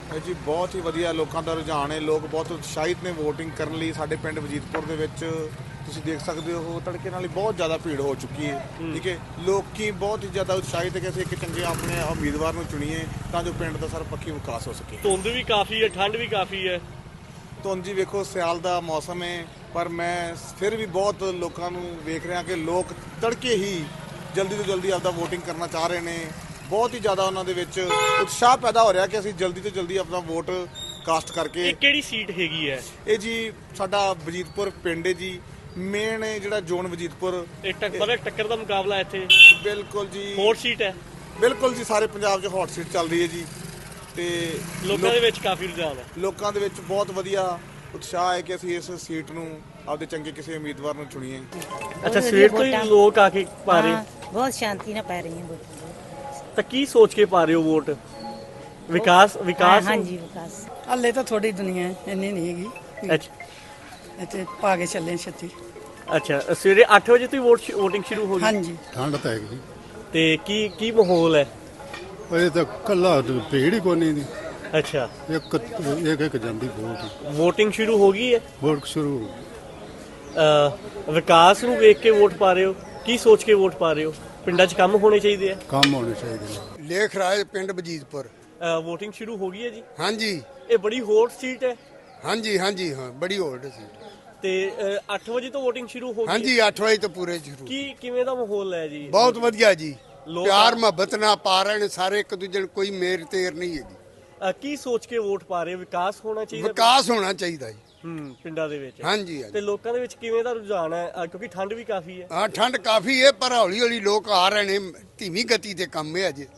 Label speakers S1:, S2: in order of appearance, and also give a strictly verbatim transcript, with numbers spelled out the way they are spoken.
S1: ਇਹ ਜੀ ਬਹੁਤ ਹੀ ਵਧੀਆ ਲੋਕਾਂ ਦਾ ਰੁਝਾਨ ਹੈ। ਲੋਕ ਬਹੁਤ ਉਤਸ਼ਾਹਿਤ ਨੇ VOTING ਕਰਨ ਲਈ। ਸਾਡੇ ਪਿੰਡ ਵਜੀਦਪੁਰ ਦੇ ਵਿੱਚ ਤੁਸੀਂ ਦੇਖ ਸਕਦੇ ਹੋ ਤੜਕੇ ਨਾਲ ਹੀ ਬਹੁਤ ਜ਼ਿਆਦਾ ਭੀੜ ਹੋ ਚੁੱਕੀ ਹੈ। ਠੀਕ ਹੈ, ਲੋਕੀ ਬਹੁਤ ਹੀ ਜ਼ਿਆਦਾ ਉਤਸ਼ਾਹਿਤ ਹੈ ਕਿ ਅਸੀਂ ਇੱਕ ਚੰਗੇ ਆਪਣੇ ਉਮੀਦਵਾਰ ਨੂੰ ਚੁਣੀਏ ਤਾਂ ਜੋ ਪਿੰਡ ਦਾ ਸਰਬਪੱਖੀ ਵਿਕਾਸ ਹੋ ਸਕੇ।
S2: ਧੁੰਦ ਵੀ ਕਾਫੀ ਹੈ, ਠੰਡ ਵੀ ਕਾਫੀ ਹੈ।
S1: ਧੁੰਦ ਜੀ ਵੇਖੋ ਸਿਆਲ ਦਾ ਮੌਸਮ ਹੈ, ਪਰ ਮੈਂ ਫਿਰ ਵੀ ਬਹੁਤ ਲੋਕਾਂ ਨੂੰ ਵੇਖ ਰਿਹਾ ਕਿ ਲੋਕ ਤੜਕੇ ਹੀ ਜਲਦੀ ਤੋਂ ਜਲਦੀ ਆਪਦਾ VOTING ਕਰਨਾ ਚਾਹ ਰਹੇ ਨੇ। ਬਹੁਤ ਹੀ ਜ਼ਿਆਦਾ ਉਹਨਾਂ ਦੇ ਵਿੱਚ ਉਤਸ਼ਾਹ ਪੈਦਾ ਹੋ ਰਿਹਾ ਕਿ ਅਸੀਂ ਜਲਦੀ ਤੋਂ ਜਲਦੀ ਆਪਣਾ ਵੋਟ ਕਾਸਟ ਕਰਕੇ।
S2: ਇਹ ਕਿਹੜੀ ਸੀਟ ਹੈਗੀ ਹੈ?
S1: ਇਹ ਜੀ ਸਾਡਾ ਵਜੀਦਪੁਰ ਪਿੰਡ ਹੈ ਜੀ, ਮੇਨ ਜਿਹੜਾ ਜ਼ੋਨ ਵਜੀਦਪੁਰ।
S2: ਇਹ ਟੱਕਰ ਟੱਕਰ ਦਾ ਮੁਕਾਬਲਾ ਇੱਥੇ
S1: ਬਿਲਕੁਲ ਜੀ,
S2: ਹੌਟ ਸੀਟ ਹੈ।
S1: ਬਿਲਕੁਲ ਜੀ, ਸਾਰੇ ਪੰਜਾਬ 'ਚ ਹੌਟ ਸੀਟ ਚੱਲ ਰਹੀ ਹੈ ਜੀ। ਤੇ
S2: ਲੋਕਾਂ ਦੇ ਵਿੱਚ ਕਾਫੀ ਰੁਝਾਨ ਹੈ।
S1: ਲੋਕਾਂ ਦੇ ਵਿੱਚ ਬਹੁਤ ਵਧੀਆ ਉਤਸ਼ਾਹ ਹੈ ਕਿ ਅਸੀਂ ਇਸ ਸੀਟ ਨੂੰ ਆਪਦੇ ਚੰਗੇ ਕਿਸੇ ਉਮੀਦਵਾਰ ਨੂੰ ਚੁਣੀਏ।
S2: ਅੱਛਾ, ਸਵੇਰ ਤੋਂ ਹੀ ਲੋਕ ਆ ਕੇ ਪਾ ਰਹੇ?
S3: ਬਹੁਤ ਸ਼ਾਂਤੀ ਨਾਲ ਪੈ ਰਹੀਆਂ ਵੋਟਾਂ।
S2: ਤਾਂ ਕੀ ਸੋਚ ਕੇ ਪਾ ਰਹੇ ਹੋ ਵੋਟ? ਵਿਕਾਸ ਵਿਕਾਸ
S3: ਹਾਂਜੀ, ਵਿਕਾਸ।
S4: ਹਾਲੇ ਤਾਂ ਥੋੜੀ ਦੁਨੀਆ ਹੈ, ਇੰਨੀ ਨਹੀਂ ਹੈਗੀ।
S2: ਅੱਛਾ
S4: ਇੱਥੇ ਪਾ ਕੇ ਚੱਲੇ ਛੱਤੀ।
S2: ਅੱਛਾ, ਸਵੇਰੇ ਅੱਠ ਵਜੇ ਤੋਂ ਹੀ ਵੋਟ VOTING ਸ਼ੁਰੂ ਹੋ ਗਈ?
S4: ਹਾਂਜੀ।
S5: ਠੰਡ ਤਾਂ ਹੈਗੀ।
S2: ਤੇ ਕੀ ਕੀ ਮਾਹੌਲ ਹੈ?
S5: ਇਹ ਤਾਂ ਕੱਲਾ ਭੀੜ ਹੀ ਕੋਨੀ ਦੀ।
S2: ਅੱਛਾ,
S5: ਇੱਕ ਇੱਕ ਇੱਕ ਜਾਂਦੀ ਵੋਟ।
S2: VOTING ਸ਼ੁਰੂ ਹੋ ਗਈ ਹੈ?
S5: ਵੋਟ ਸ਼ੁਰੂ।
S2: ਅ, ਵਿਕਾਸ ਨੂੰ ਵੇਖ ਕੇ ਵੋਟ ਪਾ ਰਹੇ ਹੋ? ਕੀ ਸੋਚ ਕੇ ਵੋਟ ਪਾ ਰਹੇ ਹੋ? ਪਿੰਡਾਂ 'ਚ ਕੰਮ ਹੋਣੇ ਚਾਹੀਦੇ ਆ।
S5: ਕੰਮ ਹੋਣੇ ਚਾਹੀਦੇ ਨੇ।
S6: ਲੇਖ ਰਾਜ ਪਿੰਡ ਵਜੀਦਪੁਰ।
S2: VOTING ਸ਼ੁਰੂ ਹੋ ਗਈ ਹੈ ਜੀ?
S6: ਹਾਂਜੀ
S2: ਇਹ ਬੜੀ ਹੌਟ ਸੀਟ ਹੈ।
S6: ਹਾਂਜੀ ਹਾਂਜੀ ਹਾਂ, ਬੜੀ ਹੋਲਡ ਸੀ।
S2: ਤੇ ਅ, ਅੱਠ ਵਜੇ ਤੋਂ VOTING ਸ਼ੁਰੂ ਹੋ ਗਈ?
S6: ਹਾਂਜੀ, ਅੱਠ ਵਜੇ ਤੋਂ ਪੂਰੇ ਸ਼ੁਰੂ।
S2: ਕੀ ਕਿਵੇਂ ਦਾ ਮਾਹੌਲ ਹੈ ਜੀ?
S6: ਬਹੁਤ ਵਧੀਆ ਜੀ,
S2: ਲੋਕ-
S6: ਪਿਆਰ ਮੁਹੱਬਤ ਨਾਲ ਪਾ ਰਹੇ ਨੇ ਸਾਰੇ, ਇੱਕ ਦੂਜੇ ਨੂੰ ਕੋਈ ਮੇਰ ਤੇਰ ਨਹੀਂ ਹੈਗੀ।
S2: ਅ, ਕੀ ਸੋਚ ਕੇ ਵੋਟ ਪਾ ਰਹੇ ਹੋ? ਵਿਕਾਸ ਹੋਣਾ ਚਾਹੀਦਾ?
S6: ਵਿਕਾਸ ਹੋਣਾ ਚਾਹੀਦਾ ਜੀ।
S2: ਹੂੰ, ਪਿੰਡਾਂ ਦੇ ਵਿੱਚ।
S6: ਹਾਂਜੀ
S2: ਤੇ
S6: ਹਾਂਜੀ।
S2: ਲੋਕਾਂ ਦੇ ਵਿੱਚ ਕਿਵੇਂ ਦਾ ਰੁਝਾਨ ਹੈ? ਅ, ਕਿਉਂਕਿ ਠੰਡ ਵੀ ਕਾਫੀ ਹੈ।
S6: ਹਾਂ, ਠੰਡ ਕਾਫੀ ਹੈ, ਪਰ ਹੌਲੀ ਹੌਲੀ ਲੋਕ ਆ ਰਹੇ ਨੇ। ਧੀਮੀ ਗਤੀ ਤੇ ਕੰਮ ਹੈ ਅਜੇ।